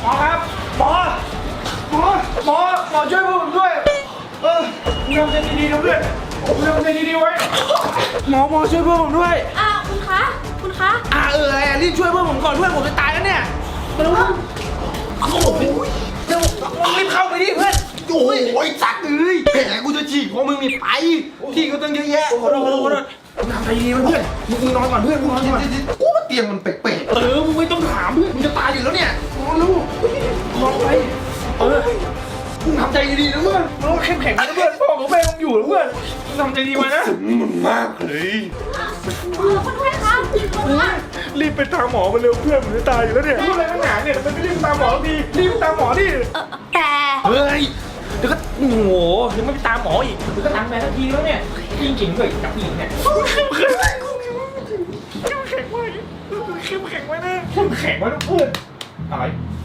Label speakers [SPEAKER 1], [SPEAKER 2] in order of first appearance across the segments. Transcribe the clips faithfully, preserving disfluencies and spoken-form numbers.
[SPEAKER 1] หมอครับหมอหมอหมอหมอช่วยผมด้วยเออทำใจดีๆนะเพื่อนทำใจดีๆไว้หมอหมอช่วยเพื่อนผมด้วย
[SPEAKER 2] อ่าคุณคะคุณคะ
[SPEAKER 1] อ่าเออรีบช่วยเพื่อนผมก่อนเพื่อนผมจะตายแล้วเนี่ยมาดูโอ้โหเร็วรีบเข้าไปดิเพื่อนโอ้ยสักเลยแผลกูจะฉีกเพราะมึงมีไปที่ก็ต้องเยอะแยะขอโทษขอโทษขอโทษทำใจดีๆเพื่อนมึงนอนก่อนเพื่อนมึงนอนก่อนกูว่าเตียงมันแปลกๆเออมึงไม่ต้องถามเพื่อนมึงจะตายอยู่แล้วเนี่ยนอนลูกนอนไปเออมึงทำใจดีๆนะเพื่อนมึงเข้มแข็งนะเพื่อนพ่อของแม่มึงอยู่แล้วเพื่อนมึงทำใจดีไว้นะมันมากเลย
[SPEAKER 2] คุณด้วยคะ
[SPEAKER 1] รีบไปตามหมอมาเร็วเพื่อนผมจะตายอยู่แล้วเนี่ยพูดอะไรตั้งนานเนี่ยทำไมไม่รีบตามหมอดีรีบไปตามหมอดิ
[SPEAKER 2] เออแต่
[SPEAKER 1] เฮ้ยเดี๋ยวก็โอ้โหยังไม่ไปตามหมออีกเดี๋ยวก็ตามแม่ทันทีแล้วเนี่ยจริงจริงเลยกับผู้หญิงเนี่ยเข้มแข็งไว้เข้มแข็งไว้นะเข้มแข็งไว้นะเพื่อนอะไร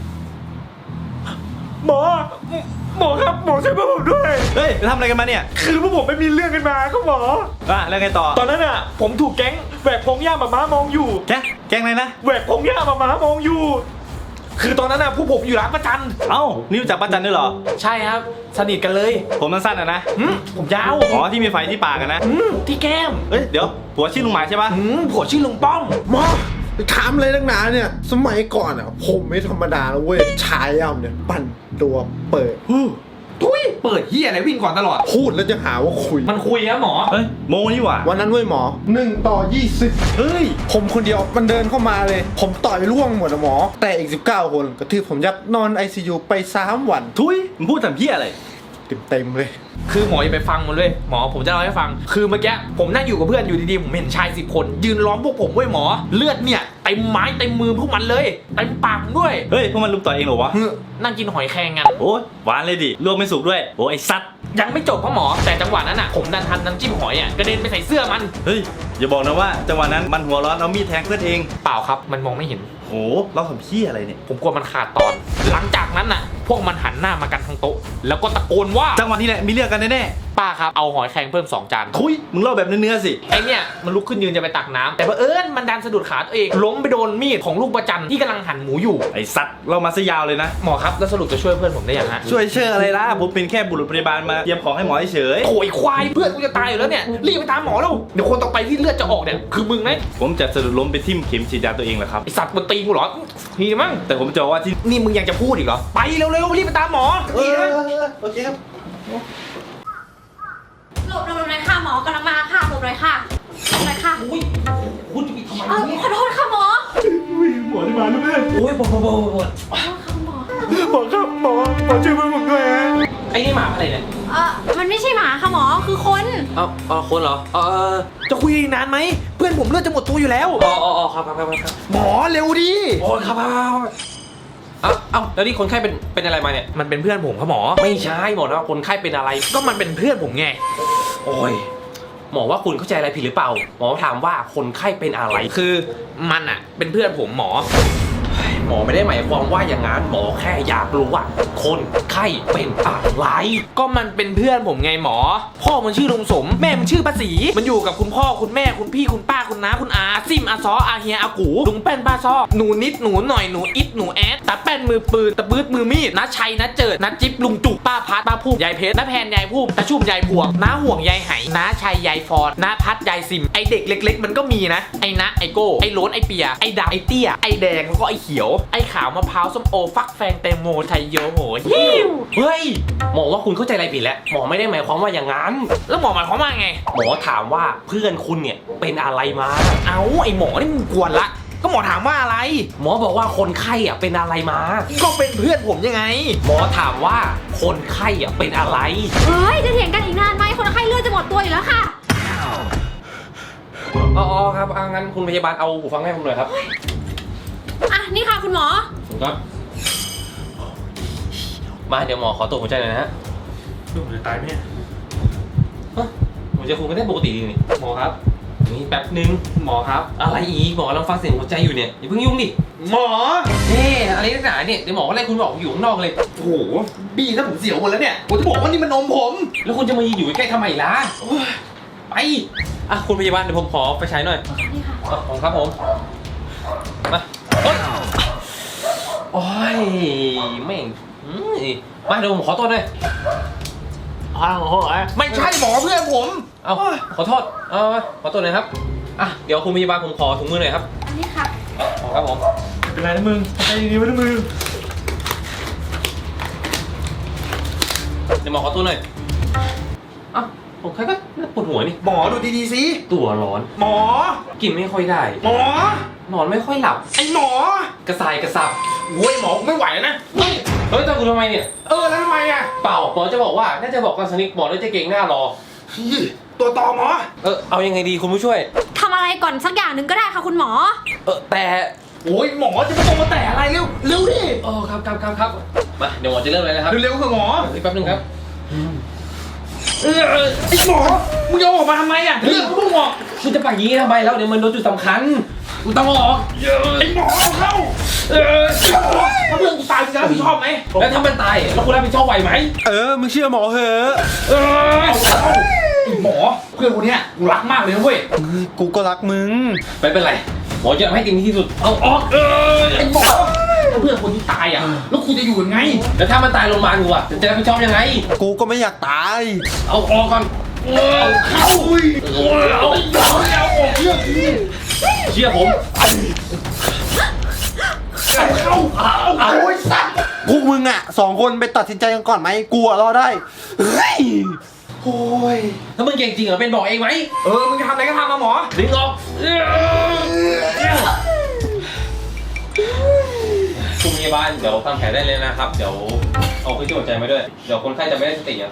[SPEAKER 1] หมอหมอครับหมอช่วยพวกผมด้วย
[SPEAKER 3] เฮ้ยทำอะไรกันมาเนี่ย
[SPEAKER 1] คือพวกผมไปมีเรื่องกันมาครับหมอ
[SPEAKER 3] อ่ะแล้วไงต่อ
[SPEAKER 1] ตอนนั้นอ่ะผมถูกแก๊งแหวกพงหญ้าหมาม้ามองอยู่
[SPEAKER 3] แกแกล้งอะไรนะ
[SPEAKER 1] แหวกพงหญ้าหมาม้ามองอยู่ คือตอนนั้นน่ะผู้ผมอยู่ร้านประจัน
[SPEAKER 3] เอ้านี่รู้จักป้าจันด้วยเหรอ
[SPEAKER 1] ใช่ครับสนิทกันเลย
[SPEAKER 3] ผมสั้นๆอ่ะนะ
[SPEAKER 1] หืมผมยาว
[SPEAKER 3] อ๋อที่มีไฟที่ปากกันนะ
[SPEAKER 1] หืมที่แก้ม
[SPEAKER 3] เอ้ยเดี๋ยวผัวชื่อลุงหมายใช่ปะ
[SPEAKER 1] หืมผัวชื่อลุงป้อม
[SPEAKER 4] หมอไปถามอะไรตั้งนานเนี่ยสมัยก่อนอ่ะผมไม่ธรรมดาแล้วเว้ยชายย่ำเนี่ยปั่นตัวเปิด
[SPEAKER 1] ทุยเปิดเฮียอะไรวิ่งก่อนตลอด
[SPEAKER 4] พูดแล้วจะหาว่าคุย
[SPEAKER 1] มันคุยนะหมอ
[SPEAKER 3] เฮ้ยโมนี่หว่า
[SPEAKER 4] วันนั้นเว้ยหมอหนึ่งต่อยี่สิบ
[SPEAKER 3] เฮ้ย
[SPEAKER 4] ผมคนเดียวมันเดินเข้ามาเลย ผมต่อยร่วงหมดอะหมอ แต่อีกสิบเก้าคนกระทืบผมยับนอน ไอ ซี ยู ไปสามวัน
[SPEAKER 3] ทุยมึงพูดทำเพี้ยอะไร
[SPEAKER 4] เต็มๆเลย
[SPEAKER 1] คือหมออย่าไปฟังมันเลยหมอผมจะเล่าให้ฟัง คือเมื่อกี้ผมนั่งอยู่กับเพื่อนอยู่ดีๆผมเห็นชายสิบคน ยืนล้อมพวกผมเว้ยหมอ เลือดเนี่ยเต็มไม้เต็มมือพวกมันเลยเต็มปากด้วย
[SPEAKER 3] เฮ้ยพวกมันลุมต่อยเองเหรอวะ
[SPEAKER 1] นั่งกินหอยแครงกัน
[SPEAKER 3] โอ้ยหวานเลยดิลวกไม่สุกด้วยโอ้ยไอ้สัตว์
[SPEAKER 1] ยังไม่จบพ่อหมอแต่จังหวะนั้นอ่ะผมดันทันน้ำจิ้มหอยอ่ะกระเด็นไปใส่เสื้อมัน
[SPEAKER 3] เฮ้ยอย่าบอกนะว่าจังหวะนั้นมันหัวร้อนเอามีดแทงเพื่อนเอง
[SPEAKER 1] เปล่าครับมันมองไม่เห็น
[SPEAKER 3] โอ้เราทำเพี้ยอะไรเนี่ย
[SPEAKER 1] ผมกลัวมันขาดตอน หลังจากนั้นน่ะ พวกมันหันหน้ามากันทั้งโต๊ะแล้วก็ตะโกนว่า
[SPEAKER 3] จังหวะนี้แหละมีเรื่องกันแน่
[SPEAKER 1] ป้าครับเอาหอยแครงเพิ่มสองจาน
[SPEAKER 3] ๆทุยมึงเล่าแบบเนื้อๆสิ
[SPEAKER 1] ไอเนี่ยมันลุกขึ้นยืนจะไปตักน้ำแต่เผอิญมันดันสะดุดขาตัวเองล้มไปโดนมีดของลูกประจันที่กำลังหั่นหมูอยู่
[SPEAKER 3] ไอ้สัตว์เรามาซะยาวเลยนะ
[SPEAKER 1] หมอครับแล้วสรุปจะช่วยเพื่อนผมได้ยังฮะ
[SPEAKER 3] ช่วยเชื่ออะไรล่ะผมเป็นแค่บุรุษพยาบาลมาเตรียมของให้หมอเฉย
[SPEAKER 1] โอ้ยควายเพื่อนกูจะตายอยู่แล้วเนี่ยรีบไปตามหมอแล้วเดี๋ยวคนต่อไปที่เลือดจะออกเนี่ยคือมึงนะ
[SPEAKER 3] ผมจะสะดุดล้มไปทิ่มเข็มฉีดยาตัวเองแหละครับ
[SPEAKER 1] ไอสัตว์มันตีกูเหรอทีมั้ง
[SPEAKER 3] แต่ผมจะบอกว่าที่
[SPEAKER 1] นี่มึงยังจะพูดอีกเหรอไปเร็วๆรีบไปตามหมอ
[SPEAKER 3] เอ
[SPEAKER 1] ทีนะ
[SPEAKER 3] อโอเคครับ
[SPEAKER 2] หลบหลบหลบหน่อยค่ะหมอกำลังมาค่ะหลบหน่อยค่ะหลบหน่อยค่ะ
[SPEAKER 1] อุ้ยคุณจะปิดทำไม
[SPEAKER 2] เออ
[SPEAKER 1] เนี่ย
[SPEAKER 2] ขอโทษค่ะหมอ
[SPEAKER 1] หมอที่มาแล้วแม่โอ้ยปวดปวดปวดปวด
[SPEAKER 2] ขอโทษค่ะหมอ
[SPEAKER 1] หมอครับหมอหมอช่วยเพื่อนผมด้วยฮะไอ้นี่หมาอะไรเนี่ย
[SPEAKER 2] เออมันไม่ใช่หมาค่ะหมอคือคน
[SPEAKER 1] เอ้าเอ้าคนเหรอเออจะคุยนานไหมเพื่อนผมเลือดจะหมดตัวอยู่แล้วอ๋ออ๋อครับครับครับครับ
[SPEAKER 4] หมอเร็วดิ
[SPEAKER 1] โอ้ครับครับเอ้าเอ้าแล้วนี่คนไข้เป็นเป็นอะไรมาเนี่ยมันเป็นเพื่อนผมครับหมอไม่ใช่หมอนะคนไข้เป็นอะไรก็มันเป็นเพื่อนผมไงโอ้ยหมอว่าคุณเข้าใจอะไรผิดหรือเปล่าหมอถามว่าคนไข้เป็นอะไรคือมันอ่ะเป็นเพื่อนผมหมอ หมอไม่ได้หมายความว่าอย่างนั้นหมอแค่อยากรู้ว่าคนไข้เป็นอะไรก็มันเป็นเพื่อนผมไงหมอ พ่อมันชื่อลุงสมแม่มันชื่อป้าศรีมันอยู่กับคุณพ่อคุณแม่คุณพี่คุณป้าคุณน้าคุณอาซิมอาซออาเฮียอากูลุงแป้นป้าซอหนูนิดหนูหน่อยหนูอิดหนูแอดตาแป้นมือปืนตะบืดมือมีดน้าชัยน้าเจิดน้าจิ๊บลุงจุกป้าพัดป้าพูบยายเพชรน้าแพนยายพูบตาชุ่มยายพวงน้าห่วงยายไหน้าชัยยายฟอนน้าพัดยายซิมไอเด็กเล็ก ๆ มันก็มีนะไอนะไอโก้ไอโล้นไอเปียไอดาไอเตี้ยไอแดงแล้วก็ไอเขียวไอขาวมะพร้าวส้มโอฟักแฟงแตงโมไทยโยโหฮิวเฮ้ยหมอว่าคุณเข้าใจอะไรผิดแล้วหมอไม่ได้หมายความว่าอย่างนั้นแล้วหมอหมายความว่าไงหมอถามว่าเพื่อนคุณเนี่ยเป็นอะไรมาเอ้าไอหมอนี่มึงกวนละก็หมอถามว่าอะไร หมอบอกว่าคนไข้อ่ะเป็นอะไรมาก็เป็นเพื่อนผมยังไงหมอถามว่าคนไข้อ่ะเป็นอะไร
[SPEAKER 2] เฮ้ยจะเถียงกันอีกนานไหมคนไข้เลือดจะหมดตัวอยู่แล้วค่ะ
[SPEAKER 1] อ๋อครับงั้นคุณพยาบาลเอาหูฟังให้ผมหน่อยครับ
[SPEAKER 2] อ่ะนี่ค่ะคุณหมอ
[SPEAKER 1] ครับมาเดี๋ยวหมอขอตรวจหัวใจหน่อยนะฮะ
[SPEAKER 3] ลูกจะตายไหมเนี่ย
[SPEAKER 1] หัวใจคุณก็ได้ปกติดีนี่หมอครับนี่แป๊บนึงหมอครับอะไรอีกหมอกำลังฟังเสียงหัวใจอยู่เนี่ยอย่าเพิ่งยุ่งดิหมอเอ๊ะอะไรนักหนาเนี่ยเดี๋ยวหมอก็ไล่คุณบอกอยู่ข้างนอกเลยโอ้โหบี้ถ้าผมเสียวหมดแล้วเนี่ยผมจะบอกว่านี่มันนมผมแล้วคุณจะมายืนอยู่ใกล้ทำไมล่ะไปอ่ะคุณพยาบาลเดี๋ยวผมขอไปใช้หน่อย
[SPEAKER 2] นี่ค่ะ
[SPEAKER 1] ขอบคุณครับผมมาโอ๊ยโโอ้ยไม่งอืมมาเดี๋ยวผมขอตัวหน่อย
[SPEAKER 3] อ้าวโอ้ยไม่ใช่หมอเพื่อนผม
[SPEAKER 1] เอาขอโทษเอามาขอตัวหน่อยครับอ่ะเดี๋ยวคุณพยาบาลผมขอถุงมือหน่อยครับ
[SPEAKER 2] อันนี้ค่ะ
[SPEAKER 1] ขอครับผม
[SPEAKER 3] เป็นไรนะมึงใจดีๆไว้นะมึง
[SPEAKER 1] เดี๋ยวหมอขอตัวหน่อยอ่ะผมแค่ก็ปวดหัวนี่
[SPEAKER 3] หมอดูดีๆสิ
[SPEAKER 1] ตัวร้อน
[SPEAKER 3] หมอ
[SPEAKER 1] กินไม่ค่อยได้
[SPEAKER 3] หมอน
[SPEAKER 1] อนไม่ค่อยหลับ
[SPEAKER 3] ไอหมอก
[SPEAKER 1] ระสายกระสับ
[SPEAKER 3] โว้ยหมอไม่ไหวแล้วนะ
[SPEAKER 1] เฮ้ยเฮ้ยตามกูทำไมเนี่ย
[SPEAKER 3] เออแล้วทำไมอ่ะ
[SPEAKER 1] เปล่าหมอจะบอกว่าน่าจะบอกกันสนิทหมอน่าจะเก่งหน้ารอ
[SPEAKER 3] พี่ตัวต่อหมอ
[SPEAKER 1] เออเอายังไงดีคุณผู้ช่วย
[SPEAKER 2] ทำอะไรก่อนสักอย่างหนึ่งก็ได้ค่ะคุณหมอ
[SPEAKER 1] เออแต่
[SPEAKER 3] โอ้ยหมอจะไม่ต้องมาแต่อะไรเร็วเร็วดิ
[SPEAKER 1] โอ้ครับครับครับครับมาเดี๋ยวหมอจะเริ่มเลยนะครับ
[SPEAKER 3] เร็วๆเถอะหมอ
[SPEAKER 1] อีกแป๊บนึงครับ
[SPEAKER 3] เออไอหมอมึงจะออกมาทำไมอ่ะเรื่องมึงบอก
[SPEAKER 1] คุณจะไปอย่างนี้ทำไมแล้วเดี๋ยวมันโดนจุดสำคัญคุณต้องออก
[SPEAKER 3] ไอหมอเอาเข้าเออถ้าเพื่อนกูตายมึงจะรับผิดชอบไหม
[SPEAKER 1] แล้วถ้ามันตายแล้วคุณรับผิดชอบไหวไหม
[SPEAKER 3] เออมึงเชื่อหมอเหอะเออเอาเข้าไอหมอเพื่อนคนเนี้ยกูรักมากเลยนะเว้ย
[SPEAKER 4] กูก็รักมึง
[SPEAKER 1] ไม่เป็นไรหมอจะทำให้เต็มที่ที่สุดเอาออก
[SPEAKER 3] เออไอหมอถ้าเพื่อนคนที่ตายอ่ะแล้วคุณจะอยู่ยังไง
[SPEAKER 1] แล้วถ้ามันตายโรงพยาบาลกูอะจะรับผิดชอบยังไง
[SPEAKER 4] กูก็ไม่อยากตาย
[SPEAKER 1] เอาออกก่อน
[SPEAKER 3] เอาเข้าอุ้ยเอาไอ้หมอเอาออกเรื่องนี้
[SPEAKER 1] เชื่อผม
[SPEAKER 3] เอาเข้าเอาโอ้ยสัตว์
[SPEAKER 4] พวกมึงอ่ะสองคนไปตัดสินใจกันก่อนไหมกูอะรอได้ เฮ้ย
[SPEAKER 3] โอ้ย
[SPEAKER 1] ถ้ามึงเก่งจริงเหรอเป็นบอกเองไหม
[SPEAKER 3] เออมึงจะทำอะไรก็ทำมาหมอ
[SPEAKER 1] ดึงออกคุณพยาบาลเดี๋ยวทำแผลได้เลยนะครับ เดี๋ยวเอาเครื่องช่วยหายใจมาด้วย เดี๋ยวคนไข้จะไม่ได้สติอ่ะ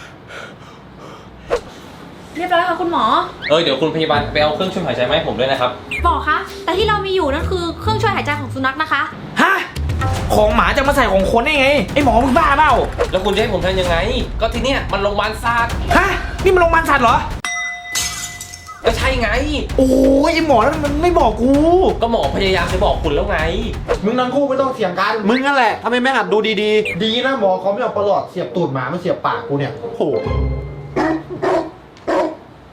[SPEAKER 2] เรียบร้อยค่ะคุณหมอ
[SPEAKER 1] เออเดี๋ยวคุณพยาบาลไปเอาเครื่องช่วยหายใจมาให้ผมด้วยนะครับ
[SPEAKER 2] หมอคะ แต่ที่เรามีอยู่นั่นคือเครื่องช่วยหายใจของสุนัขนะคะ
[SPEAKER 3] ฮะของหมาจะมาใส่ของคนได้ไงไอหมอมึงบ้าเปล่า
[SPEAKER 1] แล้วคุณจะให้ผมทำยังไง ก็ที่เนี้ยมันโรงพยาบาลศาสตร์
[SPEAKER 3] ฮะนี่มันโรงพยาบาลสัตว์เหรอ
[SPEAKER 1] ก็ใช่ไง
[SPEAKER 3] โอ้ยไอหมอนั่นมันไม่บอกกู
[SPEAKER 1] ก็หมอพยายามจะบอกคุณแล้วไง
[SPEAKER 4] มึงทั้งคู่ไม่ต้องเถียงกัน มึงนั่นแหละทำไมไม่หัดดูดีๆ ดีนะหมอเขาไม่เอาประหลอดเสียบตูดหมามาเสียบปากกูเนี่ยโอ้โห